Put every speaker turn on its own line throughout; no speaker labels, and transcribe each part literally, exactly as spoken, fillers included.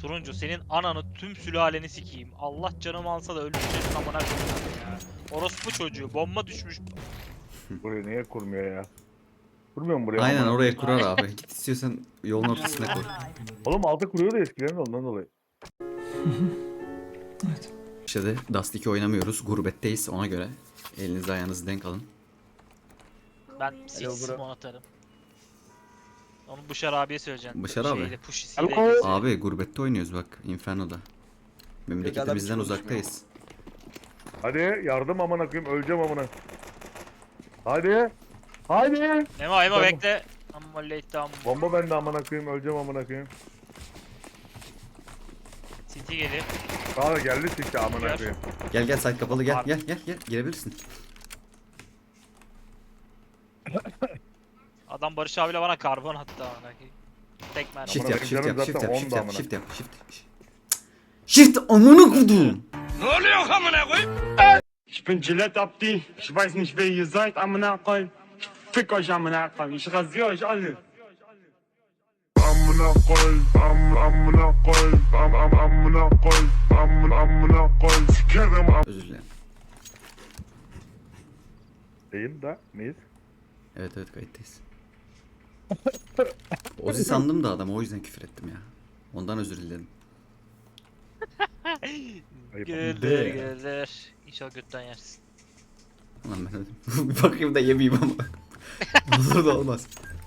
Turuncu senin ananı tüm sülaleni sikeyim. Allah canımı alsa da öldüreceksin amına koyayım ya. Orospu çocuğu bomba düşmüş.
Buraya niye kurmuyor ya? Kurmuyor mu buraya?
Aynen
Ama-
oraya kurar abi. Git istiyorsan yolun ortasına koy.
Oğlum altı kuruyordu eskiden de ondan dolayı.
İşte de Dust iki oynamıyoruz. Gurbetteyiz ona göre. Elinizi ayağınızı denk alın.
Ben six
bro.
mon atarım. Onu Bışar abiye söyleyeceğim.
Bışar abi.
Şeyle, Pushy'siyle
Alo.
geziyor.
Abi gurbette oynuyoruz bak. Inferno'da. Memleketimizden
Yok, adam hiç
uzaktayız.
Hadi yardım amına koyayım öleceğim amına. Hadi. Hadi.
Emo Emo
Tamam.
bekle. Amma late tamam.
Bomba bende amına koyayım öleceğim amına koyayım.
City geliyor.
Daha da geldi sikti amına
Gel.
koyayım.
Gel gel site kapalı gel
Abi.
gel gel gel girebilirsin.
Adam Barış abiyle bana karbon attı amına koyayım. Tek mermi.
Shift
Amına
yap
koyayım,
shift yap
canım
shift
zaten
yap shift
onda
yap
amına.
shift yap shift. Shift amına kudum.
Ich bin Gillette Abdi. Ich weiß nicht, wer ihr seid, am Nachhinein. Fick euch am Nachhinein. Ich rasiere euch alle. Amına koy, am amına koy, am am amına koy, am amına koy. Sikerim am.
Özür dilerim.
Değil de neyiz?
Evet evet kayıttayız. Ozi sandım da adam o yüzden küfür ettim ya. Ondan özür dilerim.
Ayıp.
Güldür
De.
güldür. İnşallah götten yersin.
Ulan ben öldüm. Bir bakayım da yemeyeyim ama. Olur da olmaz.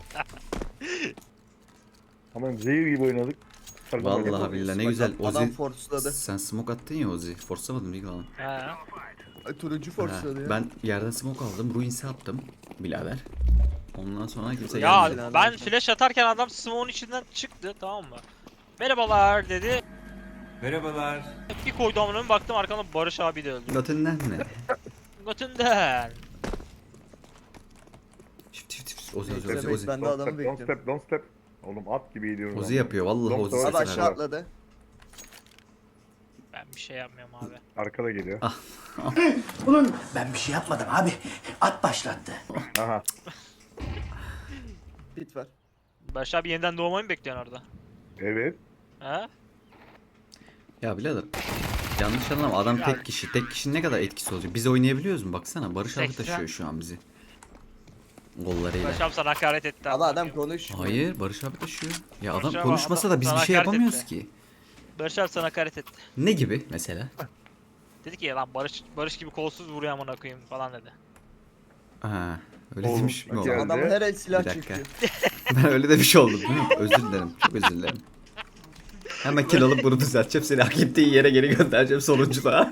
Ama zehir gibi oynadık.
Vallahi billahi ne güzel
Adam
Ozi.
forsladı.
Sen smoke attın ya Ozi. Force'lamadım değil mi lan?
He.
Ay, turuncu
Ha,
forsladı ya.
ben yerden smoke aldım. Ruins'e attım. Birader. Ondan sonra kimse
Ya
gelmedi.
ben flash atarken adam smoke'un içinden çıktı tamam mı? Merhabalar dedi.
Merhabalar.
Bir koydu amına baktım arkamda Barış abi de öldü.
Götünden ne?
Götünden.
Şif şif şif. Ozi Ozi
Bekle,
Ozi
bekle,
Ozi.
ben de
Don't
adamı
step, don't
bekliyorum.
step, don't step. Oğlum at gibi gidiyoruz.
Ozi
amına.
yapıyor vallahi
Don't
Ozi
step.
Abi
sesini
aşağı
ver.
atladı.
Ben bir şey yapmıyorum abi.
Arkada geliyor.
Ulan ben bir şey yapmadım abi. At başlattı.
Aha.
Bit var.
Barış abi yeniden doğmayı mı bekliyorsun orada?
Evet.
He?
Ya birader. Yanlış anlama adam
Ya-
tek kişi. Tek kişinin ne kadar etkisi olacak? Biz oynayabiliyoruz mu? Baksana Barış abi
seksen.
taşıyor şu an bizi. Gollarıyla.
Barış abi sana hakaret etti.
Ama adam
amına koyayım.
konuş.
Hayır Barış abi taşıyor. Ya
Barış
adam
abi,
konuşmasa
adam
da biz bir
sana
şey
hakaret
yapamıyoruz
etti.
ki.
Barış abi sana hakaret etti.
Ne gibi mesela?
Dedi ki lan Barış Barış gibi kolsuz vuruyor amına koyayım falan dedi.
Ha, öyle
Oğlum,
demiş mi
bak
oldu?
ya.
Adam her el silah
Bir dakika.
çekiyor.
Ben öyle demiş oldum değil mi? Özür dilerim. Çok özür dilerim. Hemen kill alıp bunu düzelteceğim. Seni hak ettiğin yere geri göndereceğim sonuncuda.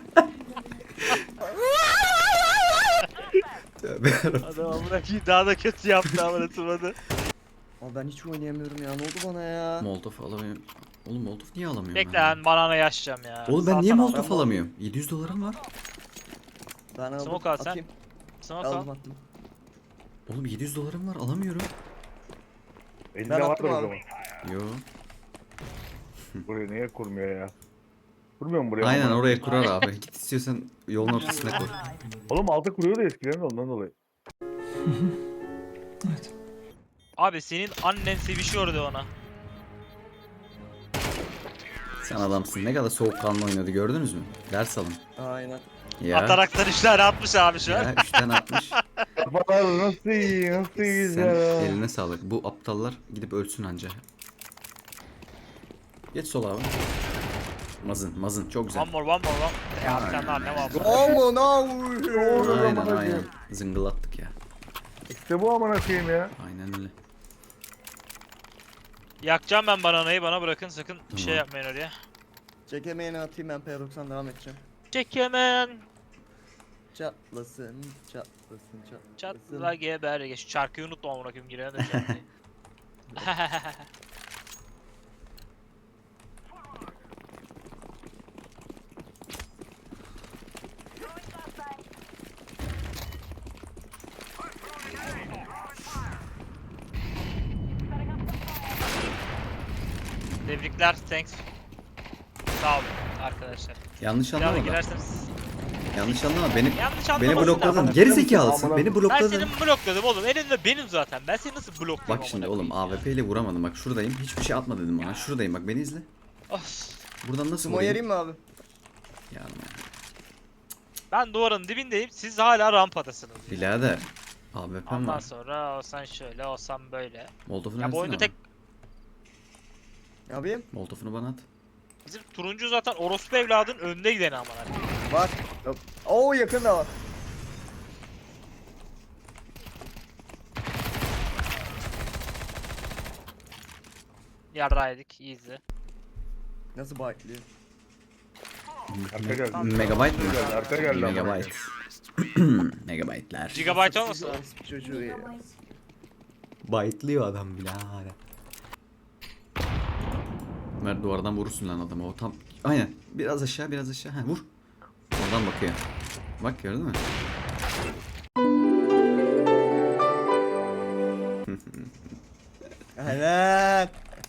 Tövbe yarabbim.
Adam amına koyayım daha da kötü yaptı amına tırmadı.
Ama ben hiç oynayamıyorum ya. Ne oldu bana ya?
Molotov alamıyorum. Oğlum Molotov niye alamıyorum?
Bekle
ya?
lan banana yaşayacağım ya.
Oğlum ben niye
Salsana
Molotov
bana.
alamıyorum? yedi yüz dolarım var.
Ben aldım.
Smoke al sen.
Atayım.
Smoke al.
Aldım attım.
Oğlum yedi yüz dolarım var alamıyorum.
Elinde
Ben
vardır
attım
o
abi.
zaman.
Yo.
Buraya niye kurmuyor ya? Kurmuyor mu buraya?
Aynen
amına?
oraya kurar abi. Git istiyorsan yolun ortasına koy.
Oğlum altı kuruyordu eskiden de ondan dolayı.
Abi senin annen sevişiyordu ona.
Sen adamsın. Ne kadar soğukkanlı oynadı gördünüz mü? Ders alın.
Aynen.
Ya.
Ataraktan üç tane atmış abi şu an.
Ya üçten atmış.
Kafalar nasıl iyi, nasıl
Sen
güzel.
eline sağlık. Bu aptallar gidip ölsün anca. Geç sol abi. Mazın, mazın çok güzel.
One more, one more, one. Ya sen daha ne var?
Aman Allah'ım.
Aynen aynen. Zıngılattık ya.
İşte bu amına koyayım ya.
Aynen öyle.
Yakacağım ben bananayı bana bırakın sakın bir şey
Tamam.
yapmayın oraya.
Çekemeyeni atayım ben P doksan devam edeceğim.
Çek hemen.
Çatlasın, çatlasın, çatlasın.
Çatla geber. Ya şu şarkıyı unutma amına koyayım girene de şarkıyı. Tebrikler, thanks. Sağ olun arkadaşlar.
Yanlış
Bir daha da
anlama da.
girerseniz.
Yanlış anlama. Beni
Yanlış
beni
anlamasın
blokladın.
ama.
Geri zekalısın.
Amına-
Beni
Ben
blokladın.
seni blokladım oğlum. Elinde benim zaten. Ben seni nasıl bloklayayım
Bak şimdi
amına
oğlum
koyayım
A W P ile vuramadım. Bak şuradayım. Hiçbir şey atma dedim bana. Şuradayım bak beni izle.
ya? Of.
Buradan nasıl
Sumo
vurayım?
yereyim mi abi?
Yani,
Ben duvarın dibindeyim. Siz hala rampadasınız. ya.
birader. A W P'm
Ondan
var.
sonra olsan şöyle olsan böyle.
Molotof'unu
Ya bu
versene
oyunda
bana.
tek
Ne yapayım?
Molotof'unu bana at.
bizim turuncu zaten orospu evladın önde gideni aman abi.
Var. Yok. Oo yakın da var.
Yarraydık easy.
Nasıl bayıklıyor?
Arka geldi.
Megabyte mı?
Geldi, arka geldi. amına
Megabyte.
koyayım.
Megabyte'ler.
Gigabyte olmasın?
Orospu çocuğu ya.
Byte'lıyor adam birader. Ömer duvardan vurursun lan adamı. O tam aynen. Biraz aşağı, biraz aşağı. Ha, vur. Oradan bakıyor. Bak gördün mü?
Evet.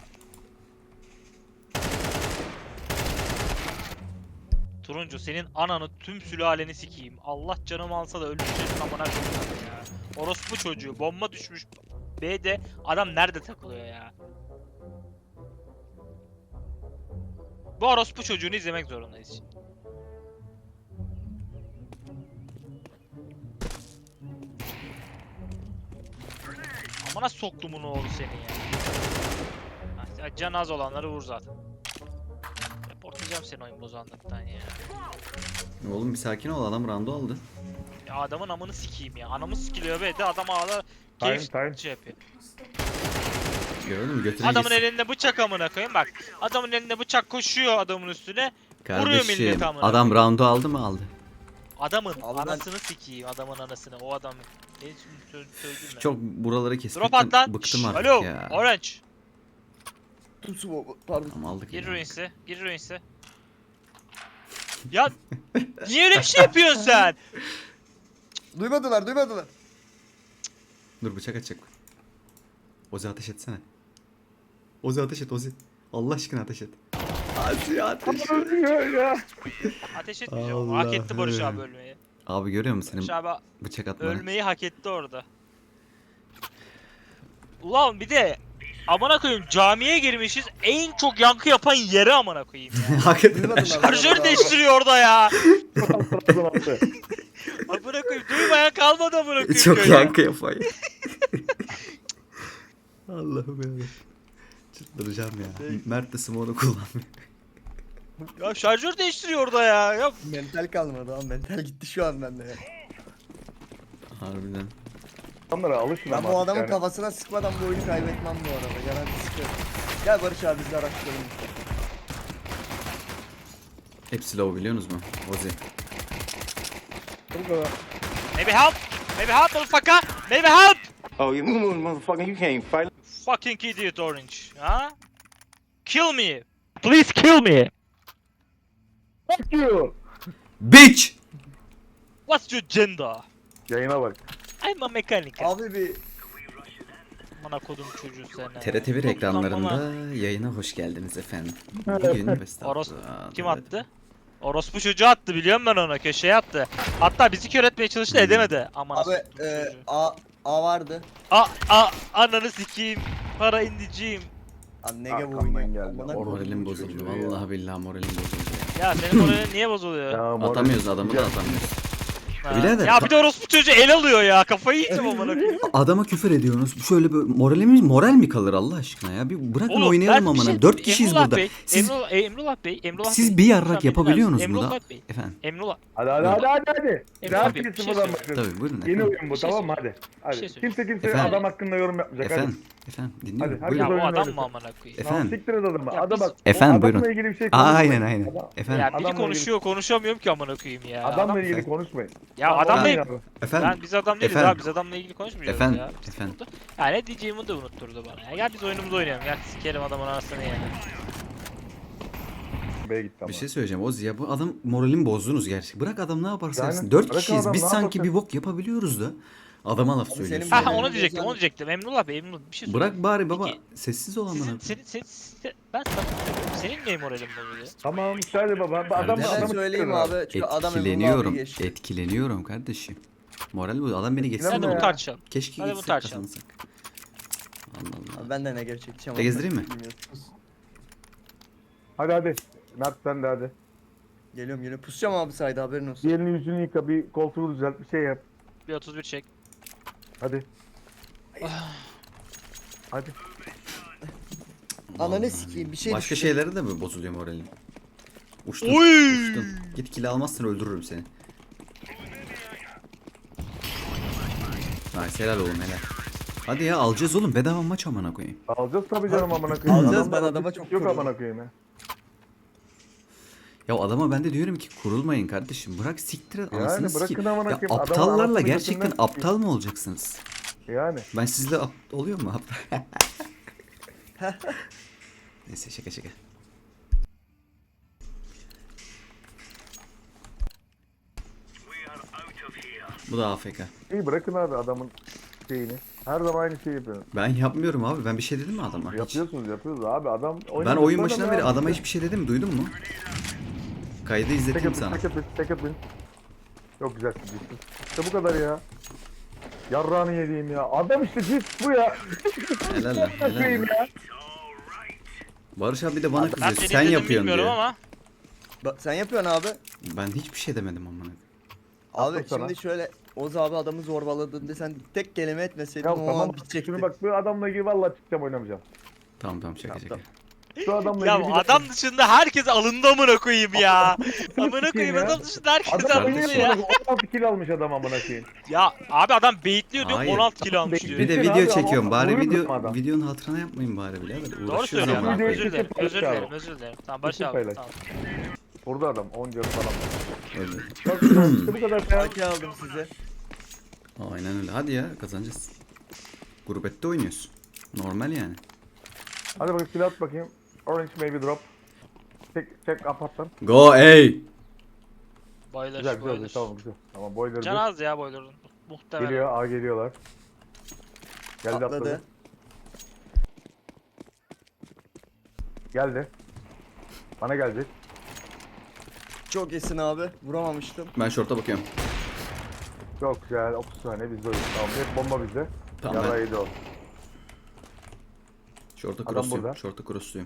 Turuncu senin ananı tüm sülaleni sikeyim. Allah canımı alsa da öldüreceksin amına koyayım ya. Orospu çocuğu bomba düşmüş. B'de adam nerede takılıyor ya? Bu orospu çocuğunu izlemek zorundayız şimdi. Amına soktumun oğlu seni ya. Ha, can az olanları vur zaten. Reportlayacağım seni oyun bozanlıktan ya.
Oğlum bir sakin ol, adam rando aldı.
Ya adamın amını sikeyim ya. Anamı sikiliyor be de adam ağlar.
Time,
Keyif
time.
şey yapıyor.
Gördün mü? Götüne
Adamın
gitsin.
elinde bıçak amına koyayım bak. Adamın elinde bıçak koşuyor adamın üstüne. Vuruyor millet
Kardeşim
amına
adam
koyayım.
round'u aldı mı aldı.
Adamın
Abi ben-
anasını sikeyim adamın anasını o adamın. Ne söz söyledim ben.
Çok buraları
Drop
kesmekten
at lan.
bıktım
Şşş,
artık
alo.
ya.
Orange.
Tüm sumo. Pardon.
Tamam aldık.
Gir
ya.
ruins'e. Gir ruins'e. Ya niye öyle bir şey yapıyorsun sen?
Duymadılar duymadılar.
Dur bıçak açacak. Ozi ateş etsene. Ozi ateş et Ozi. Allah aşkına ateş et. Ozi ateş et.
Ölüyor ya.
Ateş etmeyeceğim. Hak etti Barış
Allah'ım.
abi ölmeyi.
Abi görüyor musun
Barış
senin
abi
bıçak atmanı?
ölmeyi hak etti orada. Ulan bir de amına koyayım camiye girmişiz en çok yankı yapan yere amına koyayım ya.
Hakikaten.
Duymadılar.
Şarjör değiştiriyor orada ya.
Trabzon attı.
Amına koyayım duymayan kalmadı amına koyayım
Çok
köyde.
yankı yapay. Allah'ım ya. Çıldıracağım ya. Mert de smoke'u kullanmıyor.
Ya şarjör değiştiriyor orada ya. Ya
Mental kalmadı ama mental gitti şu an bende ya.
Harbiden.
Onlara alışın
Ben
ama
bu
artık
adamın
yani.
kafasına sıkmadan bu oyunu kaybetmem bu arada. Garanti sıkıyorum. Gel Barış abi biz de araştıralım.
Hepsi low biliyorsunuz mu? Ozi.
Bu kadar.
maybe help. Maybe help motherfucker. Maybe help.
Oh, you motherfucker, you can't fight.
Fucking idiot orange. Ha? Kill me. Please kill me.
Fuck you.
Bitch!
What's your gender?
Yayına bak.
I'm a mechanic.
Abi bir
Amına kodum çocuğu seni.
T R T bir
Çok
ekranlarında
amına-
yayına hoş geldiniz efendim. Bugün best
Oros
attı.
kim attı? Orospu çocuğu attı biliyorum ben ona köşeye attı. Hatta bizi kör etmeye çalıştı
Hmm.
edemedi. Aman
abi
asıl
e,
çocuğu.
A A vardı.
A a ananı sikeyim. Para indiciyim.
Abi nege bu
Arkamdan
oyunu.
geldi.
Amına
Orospu
Moralim
çocuğu
bozuldu.
ya.
Vallahi billahi moralim bozuldu.
Ya senin moralin niye bozuluyor?
Ya, moral-
Atamıyoruz adamı da
Ya,
atamıyoruz.
Ha.
birader,
Ya
ka-
bir de orospu çocuğu el alıyor ya. Kafayı yiyeceğim amına koyayım.
Adama küfür ediyorsunuz. Şöyle bir moralimiz moral mi kalır Allah aşkına ya? Bir bırakın
Oğlum,
oynayalım
ben bir
amına.
şey-
Dört kişiyiz
Emrullah
burada.
Bey,
Siz
Emrullah, Emrullah Bey, Emrullah
siz
Bey.
bir
Lütfen
yarrak
beni
yapabiliyorsunuz
dinler
mu
misin?
da?
Emrullah Bey.
Efendim.
Emrullah.
Hadi hadi hadi hadi hadi.
Emre
Rahat
abi,
bir
bir şey
sıfırdan
söyle.
başlıyoruz.
Tabii buyurun
Yeni
efendim.
oyun bu
Bir şey
tamam mı
söyle.
hadi.
Bir şey
Hadi.
söyle.
Kimse kimse
Efendim?
adam hakkında yorum yapmayacak
Efendim.
hadi.
Efendim dinliyorum.
Hadi,
Ya
Buyurun.
bu
oyun
adam
öyle.
mı amına koyayım?
Tamam
Efendim.
siktir et adamı.
Ya
Adam
biz-
bak.
Efendim,
adamla
buyurun.
ilgili bir şey konuşmayın.
Aynen aynen.
Adam-
Efendim.
Ya biri
Adamla
konuşuyor konuşamıyorum ki amına koyayım ya.
Adamla
Adam-
ilgili konuşmayın.
Ya
Tamam,
adamla
olmuyor
ilgili...
abi.
Efendim.
Ben biz adam değiliz
Efendim.
abi biz adamla ilgili konuşmayacağız
Efendim.
ya.
Efendim.
Ya ne diyeceğimi de unutturdu bana. Ya gel biz oyunumuzu oynayalım. Gel sikerim adamın anasını yani.
B'ye gitti ama.
Bir şey söyleyeceğim Ozi ya bu adam moralimi bozdunuz gerçekten. Bırak adam ne yaparsa
Yani,
yapsın. Dört
bırakın
kişiyiz.
adam
Biz
ne
sanki
yaparsa-
bir bok yapabiliyoruz da. Adama laf
Abi
söylüyorsun.
senin
Ha
Moralini
onu diyecektim
bozan-
onu diyecektim. Emrullah Bey Emrullah bir şey söyle.
Bırak bari baba.
Peki,
Sessiz ol amına.
Sizin, senin, senin, senin, ben sana soruyorum. Senin niye moralin bozuluyor?
Tamam işte hadi baba. Adam
Kardeşim.
Ben
adamı
söyleyeyim
siktir
abi. Çünkü adam Emrullah abi
Etkileniyorum.
geçti.
Etkileniyorum kardeşim. Moral bu. Adam beni geçsin.
Hadi
Yapma
bunu
ya.
tartışalım.
Keşke
Hadi bunu
gitsek
tartışalım.
kazansak. Allah Allah.
Abi ben de ne gerçekçi ama.
De gezdireyim mi?
Bilmiyorum.
Hadi hadi. Mert sen de hadi.
Geliyorum geliyorum. Pusacağım abi sayda haberin olsun.
Bir elini yüzünü yıka, bir koltuğu düzelt, bir şey yap.
Bir otuz bir çek.
Hadi. Hadi.
Ananı sikeyim bir şey
Başka
düştü.
şeylere de mi bozuluyor moralin? Uçtun.
Oy!
Uçtun. Git kill almazsan öldürürüm seni. Nice, helal oğlum helal. Hadi ya alacağız oğlum, bedava maç amına koyayım.
Alacağız tabii canım amına koyayım.
Alacağız,
Adamda
ben adama
lojistik
çok
yok
kuruldum.
amına koyayım ya.
Ya adama ben de diyorum ki kurulmayın kardeşim. Bırak siktir et
Yani
anasını
bırakın
sikeyim.
amına
Ya
koyayım, adamın
aptallarla
anasını
gerçekten
götünden
aptal mı olacaksınız?
Yani.
Ben sizle ap- oluyor mu aptal? Neyse şaka şaka. Bu da A F K.
İyi bırakın abi adamın şeyini. Her zaman aynı şeyi yapıyorsunuz.
Ben yapmıyorum abi. Ben bir şey dedim mi adama? Hiç.
Yapıyorsunuz yapıyoruz abi adam oyun
Ben oyun
adam
başından
ya.
beri adama hiçbir şey dedim mi? Duydun mu? Kaydı
Tek
izleteyim
atın,
sana.
tek atın, tek atın. Çok güzel ciddi. İşte bu kadar ya. Yarrağını yediğim ya. Adam işte ciddi bu ya.
Helal lan. Helal
Koyayım
lan.
ya.
Barış abi de bana
Ben
kızıyor.
seni
Sen
izledim
yapıyorsun
bilmiyorum
diyor.
ama.
Bak, sen yapıyorsun abi.
Ben hiçbir şey demedim amına.
Abi
Attım sana.
şimdi şöyle Oz abi adamı zorbaladığında sen tek kelime etmeseydin
Ya
o
tamam.
an bitecekti.
Şimdi bak bu adamla ilgili vallahi çıkacağım oynamayacağım.
Tamam tamam şaka şaka.
Tamam,
Şu adamla
Ya
ilgili
adam dışında herkes alındı amına koyayım ya. Amına koyayım
ya.
adam dışında herkes
Adam
Kardeşim.
alındı
oynuyor
ya.
ya. on altı kill almış adam amına koyayım.
Ya abi adam baitliyor diyor
Hayır.
on altı kilo almış diyor.
Bir de
Abi,
video
ama
çekiyorum. Bari
vuruyor
video
adam.
videonun hatırına yapmayın bari birader.
Doğru
Uğraşıyoruz
söylüyorsun.
ama.
Videoyu
Özür dilerim.
çekip
Özür
paylaş
dilerim.
abi.
Özür dilerim. Tamam Barış
Çekip
abi.
paylaş.
Tamam.
Burada adam on canı falan.
Öyle.
Bak işte bu kadar ya.
Haki aldım size.
Aynen öyle. Hadi ya kazanacağız. Gurbette oynuyoruz. Normal yani.
Hadi bakayım silah at bakayım. Orange maybe drop. Çek çek aparttan.
Go ey.
Boiler,
Güzel güzel
boiler.
güzel tamam güzel. Tamam boiler
Can az ya boiler'ın. Muhtemelen.
geliyor A geliyorlar. Geldi atladı.
Atladı.
Geldi. Bana gelecek.
Çok iyisin abi. Vuramamıştım.
Ben şorta bakıyorum.
Çok güzel. otuz saniye bizde oyun. Tamam hep bomba bizde.
Tamam,
Yara
ben-
yedi o.
Şorta
Adam
crossluyum.
burada.
Şorta crossluyum.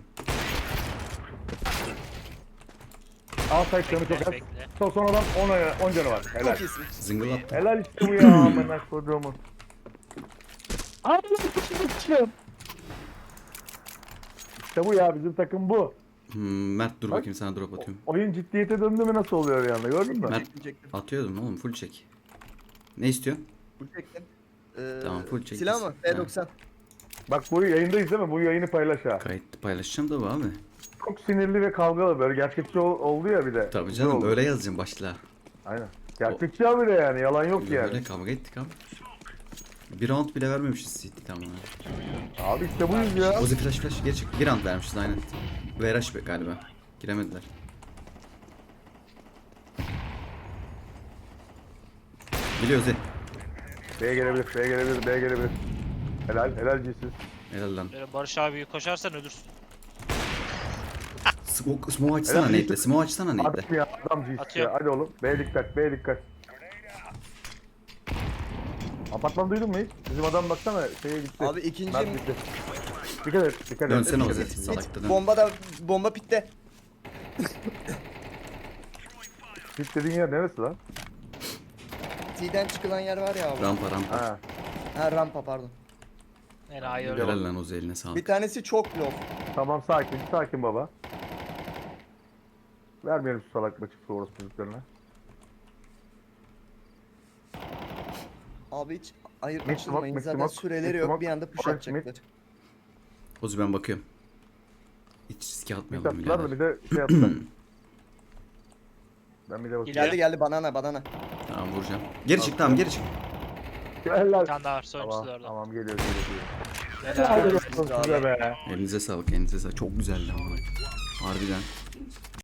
A side canı çok az.
Bekle.
Son son adam on canı var. Helal.
Çok iyisin.
Zıngıl attım.
Helal işte bu ya amına koduğumun. Abi sıçtım. İşte bu ya bizim takım bu.
Hmm, Mert dur
Bak.
bakayım sana drop atıyorum.
Oyun ciddiyete döndü mü nasıl oluyor bir anda gördün mü?
Mert
Çektim.
atıyordum oğlum full çek. Ne istiyorsun?
Full çektim. Ee,
Tamam, full çektim.
Silah mı? P doksan.
Bak bu yayındayız değil mi? Bu yayını paylaş ha.
Kayıt paylaşacağım da bu abi.
Çok sinirli ve kavgalı böyle gerçekçi ol- oldu ya bir de.
Tabii
Güzel
canım
oldu.
öyle yazacağım başla.
Aynen. Gerçekçi abi de yani yalan yok
Böyle,
yani.
böyle kavga ettik abi. Bir round bile vermemişiz City tamam.
Abi işte buyuz ya.
Ozi flash flash geri çık. Bir round vermişiz aynen. V R H be galiba. Giremediler. Geliyor Ozi.
B'ye gelebilir, B'ye gelebilir, B'ye gelebilir. Helal, helal cinsiz.
Helal lan.
Böyle Barış abi koşarsan ölürsün.
Smoke, smoke açsana
Helal.
nate'le. Smoke açsana nate'le.
Adam ya, adam cinsiz
Atıyorum.
ya. Hadi oğlum, B'ye dikkat, B'ye dikkat. Apartman duydun mu hiç? Bizim adam baksana şeye gitti.
Abi ikinci
Mert gitti. Dikkat et, dikkat et.
Dönsene
dikkat
Ozi.
et.
Salakta dön.
Bomba da bomba pitte.
Hit dediğin yer neresi lan?
T'den çıkılan yer var ya abi.
Rampa rampa.
Ha.
Ha rampa pardon.
Enayi öyle.
Helal lan Ozi eline sağlık.
Bir tanesi çok low.
Tamam sakin, sakin baba. Vermeyelim şu salak maçı orası çocuklarına.
Abi hiç ayırt
Mid
açılmayın.
smoke,
Zaten
mid smoke,
süreleri
mid
yok.
smoke.
Bir anda push
Orange mid.
atacaklar.
Ozi ben bakıyorum. Hiç riske
Bir
atmayalım
tatlılar da
birader.
bir de şey yaptılar. Ben bir de bakayım.
Geliyor.
Geldi geldi banana banana.
Tamam vuracağım. Geri çık tamam geri çık.
Helal.
Bir tane daha var. Sonuncusu
Tamam,
da orada.
tamam geliyor geliyor geliyor.
Helal.
Helal olsun size be.
Elinize sağlık elinize sağlık. Çok güzeldi ama. Harbiden.